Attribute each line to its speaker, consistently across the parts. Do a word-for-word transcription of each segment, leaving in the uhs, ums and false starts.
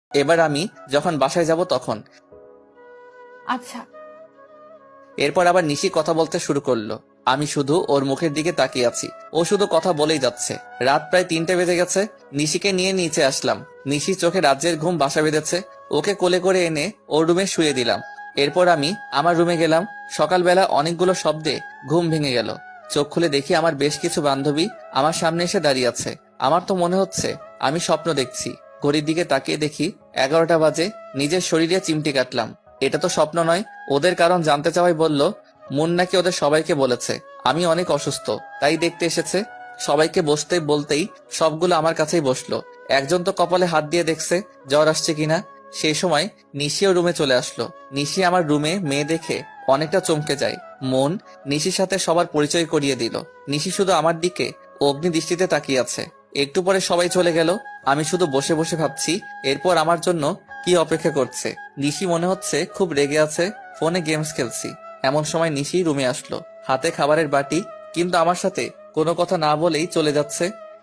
Speaker 1: এবার আমি যখন বাসায় যাব তখন।
Speaker 2: আচ্ছা।
Speaker 1: এরপর আবার নিশি কথা বলতে শুরু করলো। আমি শুধু ওর মুখের দিকে তাকিয়ে আছি। ও শুধু কথা বলেই যাচ্ছে। রাত প্রায় তিনটে বেজে গেছে। নিশিকে নিয়ে নিচে আসলাম। নিশি চোখে রাজ্যের ঘুম বাসা বেঁধেছে। ওকে কোলে করে এনে ওর রুমে শুয়ে দিলাম। এরপর আমি আমার রুমে গেলাম। সকালবেলা অনেকগুলো শব্দে ঘুম ভেঙে গেল। চোখ খুলে দেখি আমার বেশ কিছু বান্ধবী আমার সামনে এসে দাঁড়িয়ে আছে। আমার তো মনে হচ্ছে আমি স্বপ্ন দেখছি। ঘড়ির দিকে তাকিয়ে দেখি এগারোটা বাজে। নিজের শরীরে চিমটি কাটলাম। এটা তো স্বপ্ন নয়। ওদের কারণ জানতে চাওয়াই বলল মুন নাকি ওদের সবাইকে বলেছে আমি অনেক অসুস্থ, তাই দেখতে এসেছে। সবাইকে বসতে বলতেই সবগুলো আমার কাছেই বসলো। একজন তো কপালে হাত দিয়ে দেখছে জ্বর আসছে কিনা। সেই সময় নিশিও রুমে চলে আসলো। নিশি আমার রুমে মেয়ে দেখে অনেকটা চমকে যায়। মন নিশির সাথে সবার পরিচয় করিয়ে দিল। নিশি শুধু আমার দিকে অগ্নি দৃষ্টিতে তাকিয়ে আছে। একটু পরে সবাই চলে গেল। আমি শুধু বসে বসে ভাবছি এরপর আমার জন্য কি অপেক্ষা করছে। নিশি মনে হচ্ছে খুব রেগে আছে। ফোনে গেমস খেলছি। এমন সময় নিশি রুমে আসলো, হাতে খাবারের বাটি, কিন্তু আমার সাথে কোনো কথা না বলেই চলে যাচ্ছে।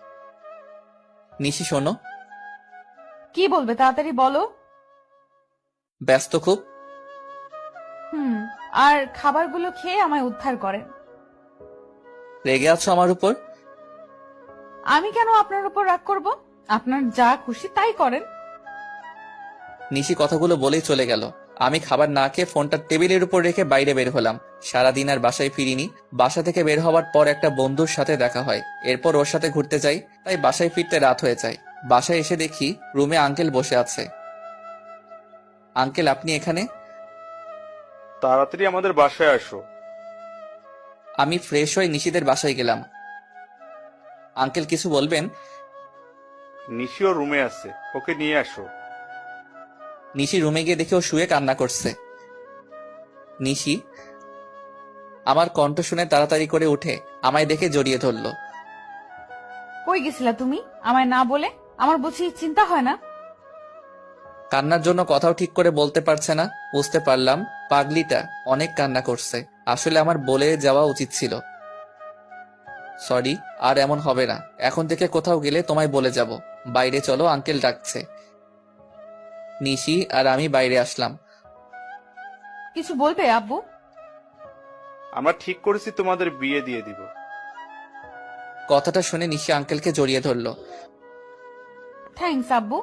Speaker 1: নিশি শোনো।
Speaker 2: কি বলবে তাড়াতাড়ি বলো।
Speaker 1: ব্যস্ত খুব?
Speaker 2: হুম। আর খাবারগুলো খেয়ে আমায় উদ্ধার করেন।
Speaker 1: রেগে আছো আমার উপর?
Speaker 2: আমি কেন আপনার উপর রাগ করব? আপনার যা খুশি তাই করেন।
Speaker 1: নিশি কথাগুলো বলেই চলে গেল। আমি খাবার না খেয়ে ফোনটা টেবিলের উপর রেখে বাইরে বের হলাম। সারাদিন আর বাসায় ফিরিনি। বাসা থেকে বের হওয়ার পর একটা বন্ধুর সাথে দেখা হয়। এরপর ওর সাথে ঘুরতে যাই, তাই বাসায় ফিরতে রাত হয়ে যায়। বাসায় এসে দেখি রুমে আঙ্কেল বসে আছে। আঙ্কেল, আপনি এখানে?
Speaker 3: তাড়াতাড়ি আমাদের বাসায় আসো।
Speaker 1: আমি ফ্রেশ হয়ে নিশিদের বাসায় গেলাম। আঙ্কেল কিছু বলবেন?
Speaker 3: নিশিও রুমে আছে, ওকে নিয়ে আসো।
Speaker 1: নিশি রুমে গিয়ে দেখে ও শুয়ে কান্না করছে। নিশি আমার কণ্ঠ শুনে তাড়াতাড়ি করে উঠে আমায় দেখে জড়িয়ে ধরল।
Speaker 2: কই গেছিলা তুমি আমায় না বলে? আমার বুঝি চিন্তা হয় না?
Speaker 1: কান্নার জন্য কথাও ঠিক করে বলতে পারছে না। বুঝতে পারলাম পাগলিটা অনেক কান্না করছে। আসলে আমার বলে যাওয়া উচিত ছিল। সরি, আর এমন হবে না। এখন থেকে কোথাও গেলে তোমায় বলে যাব। বাইরে চলো, আঙ্কেল ডাকছে। নিশি আর আমি বাইরে আসলাম।
Speaker 2: কিছু বলবে আব্বু?
Speaker 3: আমরা ঠিক করেছি তোমাদের বিয়ে দিয়ে দিব।
Speaker 1: কথাটা শুনে নিশি আঙ্কেলকে জড়িয়ে ধরল।
Speaker 2: থ্যাঙ্কস আব্বু।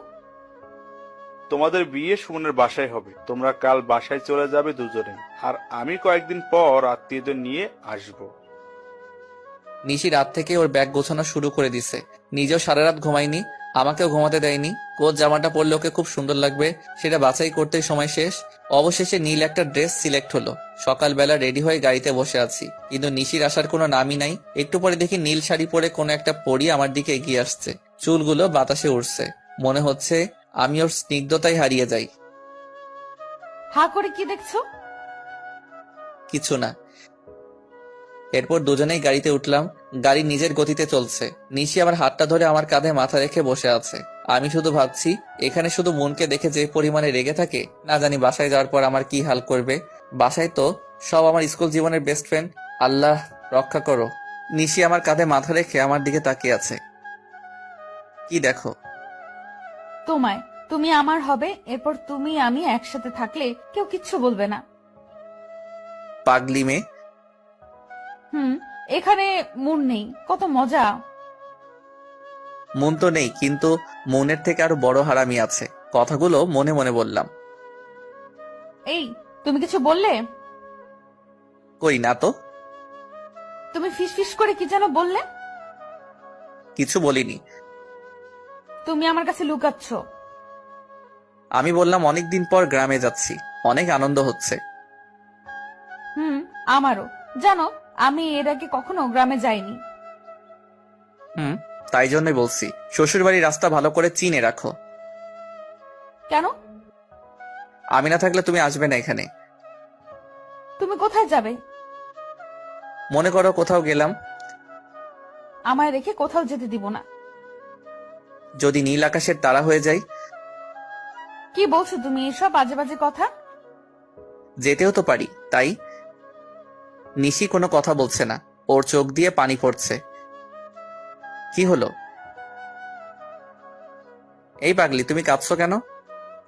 Speaker 3: তোমাদের বিয়ে সুমনের বাসায় হবে। তোমরা কাল বাসায় চলে যাবে দুজনে, আর আমি কয়েকদিন পর আত্মীয়দের নিয়ে আসবো।
Speaker 1: নিশি রাত থেকে ওর ব্যাগ গোছানো শুরু করে দিছে। নিজেও সারা রাত ঘুমায়নি, আমাকেও ঘুমাতে দেয়নি। কোচ জামাটা পরলে ওকে খুব সুন্দর লাগবে, সেটা বাছাই করতেই সময় শেষ। অবশেষে নীল একটা ড্রেস সিলেক্ট হলো। সকালবেলা রেডি হয়ে গাড়িতে বসে আছি, কিন্তু নিশির আসার কোনো নামই নাই। একটু পরে দেখি নীল শাড়ি পরে কোনো একটা পরী আমার দিকে এগিয়ে আসছে। চুলগুলো বাতাসে উড়ছে। মনে হচ্ছে আমি ওর স্নিগ্ধতায় হারিয়ে যাই।
Speaker 2: হা করে কি দেখছো?
Speaker 1: কিছু না। এরপর দুজনেই গাড়িতে উঠলাম। গাড়ি নিজের গতিতে চলছে। নিশি আমার হাতটা ধরে আমার কাঁধে মাথা রেখে বসে আছে। আমি শুধু ভাবছি এখানে শুধু মনকে দেখে যে পরিমাণে রেগে থাকে, না জানি বাসায় যাওয়ার পর আমার কি হাল করবে। বাসায় তো সব আমার স্কুল জীবনের বেস্ট ফ্রেন্ড। আল্লাহ রক্ষা করো। নিশি আমার কাঁধে মাথা রেখে আমার দিকে তাকিয়ে আছে। কি দেখো?
Speaker 2: তোমায়। তুমি আমার হবে, এরপর তুমি আমি একসাথে থাকলে কেউ কিচ্ছু বলবে না।
Speaker 1: পাগলি মেয়ে।
Speaker 2: হুম। এখানে মন নেই, কত মজা।
Speaker 1: মন তো নেই, কিন্তু মনের থেকে আরো বড় হারামি আছে। কথাগুলো মনে মনে বললাম।
Speaker 2: এই, তুমি কিছু বললে?
Speaker 1: কই না তো।
Speaker 2: তুমি ফিস ফিস করে কি যেন বললে?
Speaker 1: কিছু বলিনি।
Speaker 2: তুমি আমার কাছে লুকাচ্ছ।
Speaker 1: আমি বললাম অনেকদিন পর গ্রামে যাচ্ছি, অনেক আনন্দ হচ্ছে।
Speaker 2: হুম, আমারও। জানো, আমি এর আগে কখনো গ্রামে যাইনি।
Speaker 1: হুম, তাই জন্যই বলছি শ্বশুর বাড়ির রাস্তা ভালো করে চিনে রাখো।
Speaker 2: কেন?
Speaker 1: আমি না থাকলে তুমি আসবে না এখানে।
Speaker 2: তুমি কোথায় যাবে?
Speaker 1: মনে করো কোথাও গেলাম।
Speaker 2: আমায় রেখে কোথাও যেতে দিব না।
Speaker 1: যদি নীল আকাশের তারা হয়ে যাই?
Speaker 2: কি বলছো তুমি এসব বাজে বাজে কথা?
Speaker 1: যেতেও তো পারি, তাই। নিশি কোনো কথা বলছে না। ওর চোখ দিয়ে পানি পড়ছে। কি হলো? এই পাগলি, তুমি কাঁদছো কেন?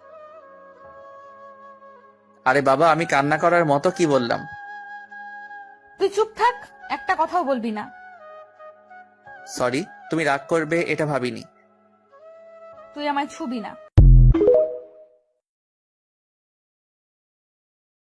Speaker 1: আরে বাবা, আমি কান্না করার মতো কি বললাম?
Speaker 2: তুই চুপ থাক, একটা কথাও বলবি না।
Speaker 1: সরি, তুমি রাগ করবে এটা ভাবিনি।
Speaker 2: তুই আমায় ছুবি না।